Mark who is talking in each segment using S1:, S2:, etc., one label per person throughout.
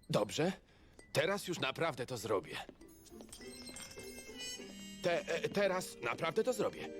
S1: Dobrze. Teraz już naprawdę to zrobię. Teraz naprawdę to zrobię.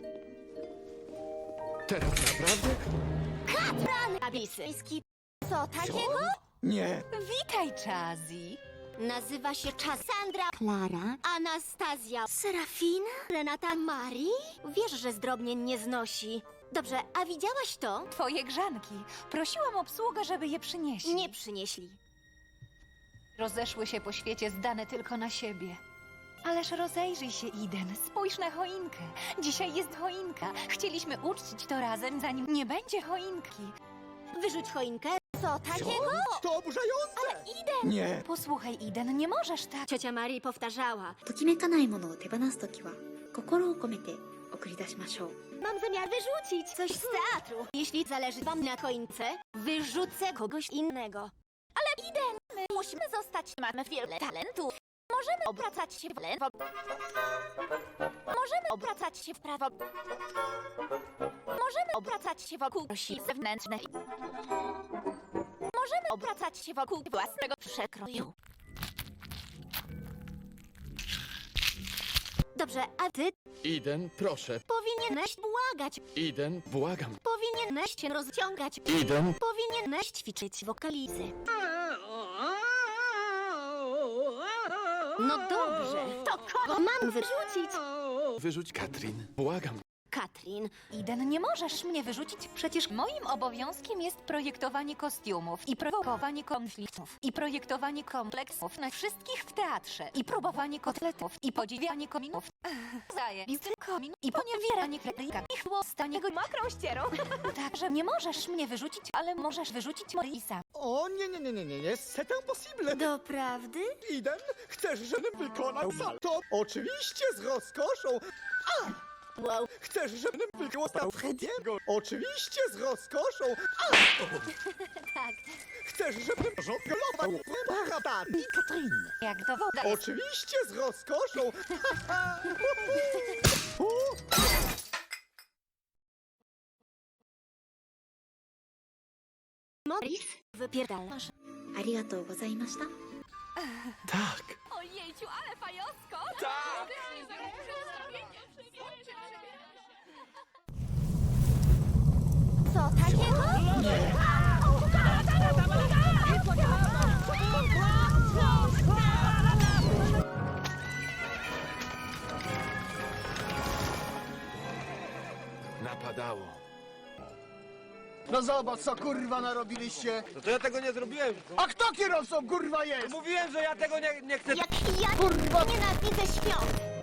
S1: Teraz naprawdę?
S2: Abisy. Co takiego?
S1: Nie.
S3: Witaj, Chazi.
S2: Nazywa się Cassandra, Klara, Anastazja, Serafina, Renata, Marii? Wiesz, że zdrobnień nie znosi. Dobrze, a widziałaś to?
S3: Twoje grzanki. Prosiłam obsługę, żeby je przynieśli.
S2: Nie przynieśli.
S3: Rozeszły się po świecie zdane tylko na siebie. Ależ rozejrzyj się, Eden. Spójrz na choinkę. Dzisiaj jest choinka. Chcieliśmy uczcić to razem, zanim nie będzie choinki.
S2: Wyrzuć choinkę. Co takiego?
S1: To oburzające!
S2: Iden!
S1: Nie.
S3: Posłuchaj, Eden, nie możesz tak.
S2: Ciocia Marii powtarzała.
S4: ときめかないものを手放すときは心を込めて送り出しましょう
S2: Mam zamiar wyrzucić coś z teatru. Jeśli zależy wam na choince, wyrzucę kogoś innego. Ale Iden, my musimy zostać, mamy wiele talentów. Możemy obracać się w lewo. Możemy obracać się w prawo. Możemy obracać się wokół osi zewnętrznej. Możemy obracać się wokół własnego przekroju. Dobrze, a ty
S1: Eden, proszę.
S2: powinieneś błagać.
S1: Eden, błagam.
S2: Powinieneś się rozciągać.
S1: Eden.
S2: Powinieneś ćwiczyć wokalizy. No dobrze, to kogo mam wyrzucić?
S1: Wyrzuć Katrin. Błagam.
S2: Katrin,
S3: Eden, nie możesz mnie wyrzucić. Przecież moim obowiązkiem jest projektowanie kostiumów i prowokowanie konfliktów i projektowanie kompleksów na wszystkich w teatrze i próbowanie kotletów i podziwianie kominów. Zajebisty komin i poniewieranie krejka i chłostanie go mokrą ścierą. Także nie możesz mnie wyrzucić, ale możesz wyrzucić Morisa.
S5: O nie, c'est impossible!
S2: doprawdy?
S5: Eden, chcesz, żebym wykonał salto? Oczywiście z rozkoszą!
S2: Wow,
S5: Chcesz, żebym wykonał Frediego? Oczywiście z rozkoszą!
S2: tak.
S5: Chcesz, żebym żonglował Barata i Katrin?
S3: Jak to woda jest.
S5: Oczywiście z rozkoszą!
S2: Morris, wypierdalasz.
S4: ありがとうございました
S1: Tak.
S2: Ojejciu, ale fajosko!
S1: Tak!
S2: Co takiego?
S1: Napadało.
S5: No zobacz, co kurwa narobiliście!
S6: No to ja tego nie zrobiłem.
S5: A kto kierowcą kurwa jest?
S6: Mówiłem, że ja tego nie chcę.
S2: Jak ja
S5: Kurwa!
S2: nienawidzę świąt!